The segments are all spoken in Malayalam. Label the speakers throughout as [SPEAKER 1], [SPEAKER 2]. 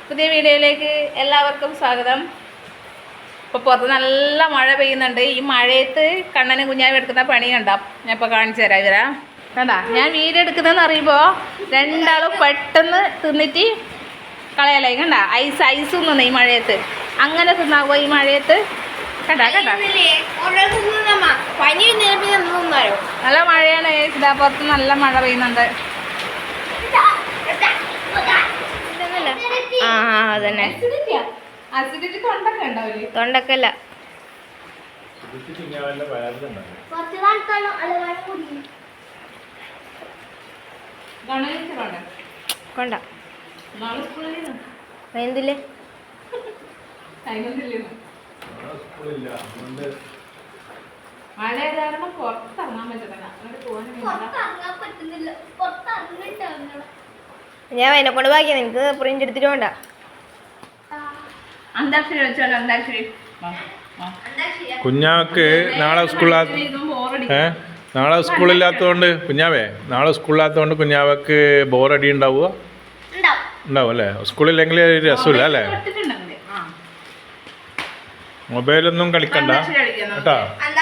[SPEAKER 1] പുതിയ വീഡിയോയിലേക്ക് എല്ലാവർക്കും സ്വാഗതം. ഇപ്പോൾ പുറത്ത് നല്ല മഴ പെയ്യുന്നുണ്ട്. ഈ മഴയത്ത് കണ്ണനും കുഞ്ഞാവും എടുക്കുന്ന പണി കണ്ടോ? ഞാൻ ഇപ്പോൾ കാണിച്ചു തരാം. ഇവരാ കണ്ടാ ഞാൻ വീഡിയോ എടുക്കുന്നതെന്ന് അറിയുമ്പോൾ രണ്ടാളും പെട്ടെന്ന് തിന്നിട്ട് കളയലായി. കണ്ട ഐസ് തിന്നുന്നു ഈ മഴയത്ത്. അങ്ങനെ തിന്നാവോ ഈ മഴയത്ത്? കണ്ടാ കണ്ടാ നല്ല മഴയാണ്. ഇതാ പുറത്ത് നല്ല മഴ പെയ്യുന്നുണ്ട്.
[SPEAKER 2] ആ അതന്നെ തൊണ്ടക്കല്ല കൊണ്ട എന്തില്ലേ
[SPEAKER 1] മഴ കാരണം പുറത്തിറങ്ങാൻ പറ്റുന്നില്ല.
[SPEAKER 2] ഞാൻ എന്നെ കൊണ്ട് ബാക്കിയാ. നിനക്ക് പ്രിന്റ് എടുത്തിട്ട് വേണ്ട.
[SPEAKER 1] അന്താക്ഷരി വെച്ചോളൂ. അന്താക്ഷരി
[SPEAKER 3] കുഞ്ഞാക്ക് നാളെ സ്കൂളില്ലാത്തതുകൊണ്ട് കുഞ്ഞാവേ നാളെ സ്കൂളില്ലാത്തതുകൊണ്ട് കുഞ്ഞാവക്ക് ബോറടി ഉണ്ടാവുക ഉണ്ടാവും അല്ലേ? സ്കൂളില്ലെങ്കിൽ ഒരു രസമില്ല അല്ലേ? മൊബൈലൊന്നും കളിക്കണ്ട കേട്ടോ.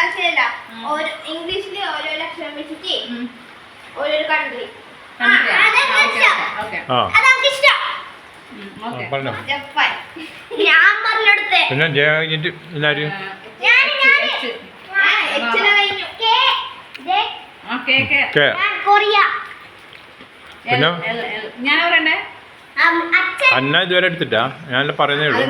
[SPEAKER 3] പറഞ്ഞോ. പിന്നെ ജയ കഴിഞ്ഞിട്ട് എല്ലാവരും പിന്നെ അന്ന ഇതുവരെ എടുത്തിട്ടാ? ഞാനല്ല പറയുന്നേ ഉള്ളൂ.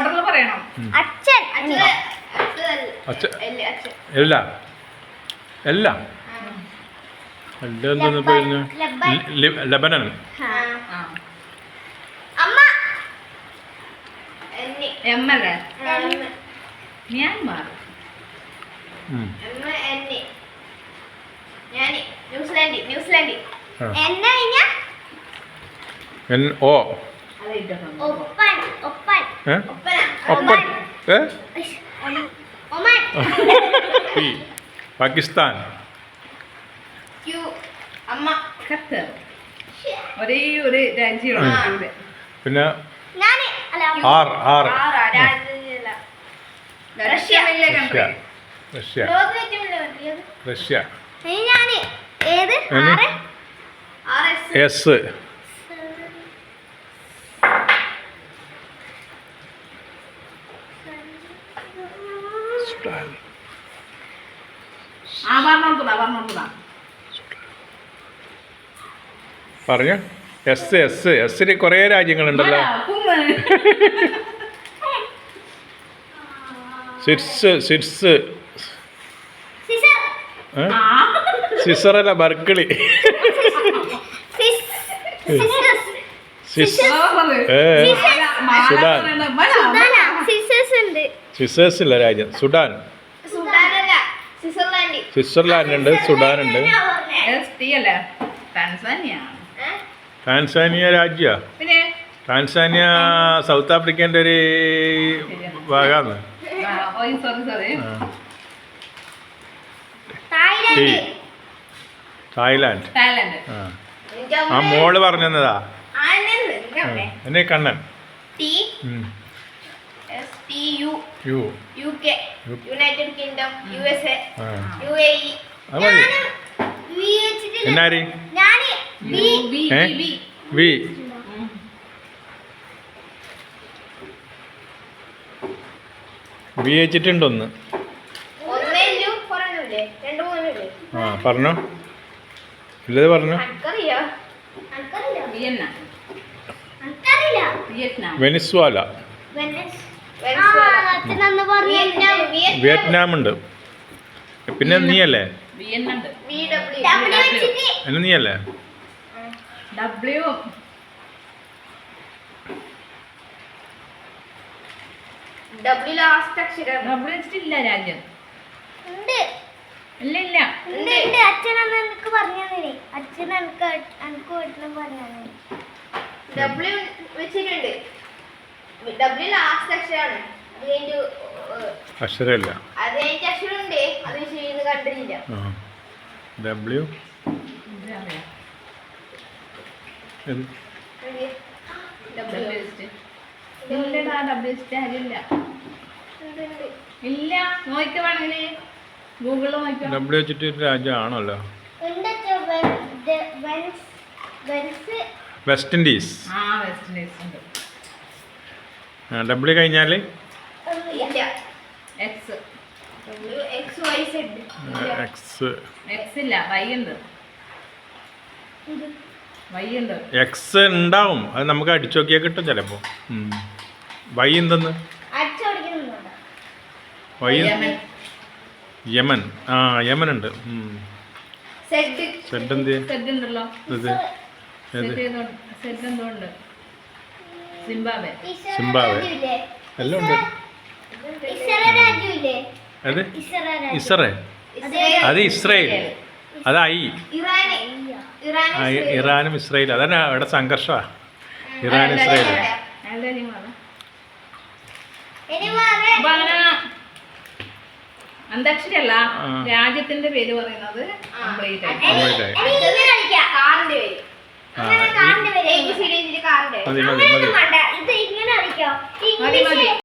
[SPEAKER 3] എല്ലാം എല്ലാം എല്ലാം പോയിരുന്നു. ലബനൻ
[SPEAKER 1] മ്യാൻമാർ
[SPEAKER 3] പാകിസ്ഥാൻ
[SPEAKER 1] ഒരേ ഒരു രാജ്യമാണ്.
[SPEAKER 3] പിന്നെ റഷ്യ റഷ്യ എസ് പറഞ്ഞു. എസ് എസ് എസ്സിന് കുറേ രാജ്യങ്ങളുണ്ടല്ലോ. സിസറല്ല ബർക്കിളി. സുഡാൻ സിസേഴ്സ് ഇല്ല രാജ്യം. സുഡാൻ സ്വിറ്റ്സർലാൻഡ് ഉണ്ട്. സുഡാൻ ഉണ്ട്. ടാൻസാനിയ രാജ്യ. ടാൻസാനിയ സൗത്ത് ആഫ്രിക്കേൻ്റെ ഒരു ഭാഗമാണ്. തായ്ലാൻഡ്. ആ മോള് പറഞ്ഞതാ. എന്നെ കണ്ണൻ. എന്നാരി വി വെച്ചിട്ടുണ്ടൊന്ന്. ആ പറഞ്ഞോ. ഇല്ലത് പറഞ്ഞോ. വെനിസ്വാല. വിയറ്റ്നാം ഉണ്ട്. പിന്നെ നീയല്ലേ? എന്നെ നീയല്ലേ?
[SPEAKER 1] രാജ്യം
[SPEAKER 3] അക്ഷരമില്ല. ഡബ്ല്യു
[SPEAKER 1] അരിയില്ല ഡബ്ല്യൂസിന്റെ അരിയില്ല ഇല്ല നോക്കുവാണെങ്കിൽ ഗൂഗിളിൽ നോക്കാം
[SPEAKER 3] ഡബ്ല്യു വെച്ചിട്ട് രാജ്യമാണല്ലോ വെസ്റ്റ് ഇൻഡീസ്
[SPEAKER 1] ആ വെസ്റ്റ് ഇൻഡീസ് ഉണ്ട്
[SPEAKER 3] ഡബ്ല്യു കഴിഞ്ഞാൽ
[SPEAKER 1] എക്സ്
[SPEAKER 3] എക്സ്
[SPEAKER 1] എക്സ് ഇല്ല വൈ ഉണ്ട് വൈ ഉണ്ട്
[SPEAKER 3] എക്സ് ഉണ്ടാവും അത് നമുക്ക് അടിച്ചു നോക്കിയാൽ കിട്ടും ചിലപ്പോൾ വൈ എന്തെന്ന് വൈ യമൻ ആ യമൻ ഉണ്ട് സെഡ് എന്ത്
[SPEAKER 1] സെഡ് ഉണ്ടല്ലോ
[SPEAKER 3] ഇത്
[SPEAKER 1] സെഡ് എന്തോ ഉണ്ട് സിംബാബെ
[SPEAKER 3] സിംബാബ്വെ എല്ലാം ഉണ്ട് അത് ഇസ്രേ അത് ഇസ്രയേൽ അത് ഐ ഇറാനും ഇസ്രയേലും അതന്നെ അവിടെ സംഘർഷമാണ് ഇറാൻ ഇസ്രയേൽ
[SPEAKER 1] അപ്പൊ അങ്ങനെ അന്താക്ഷരി അല്ല രാജ്യത്തിന്റെ പേര് പറയുന്നത് കംപ്ലീറ്റ് ആയി
[SPEAKER 3] മതി മതി മതി
[SPEAKER 1] മതി മതി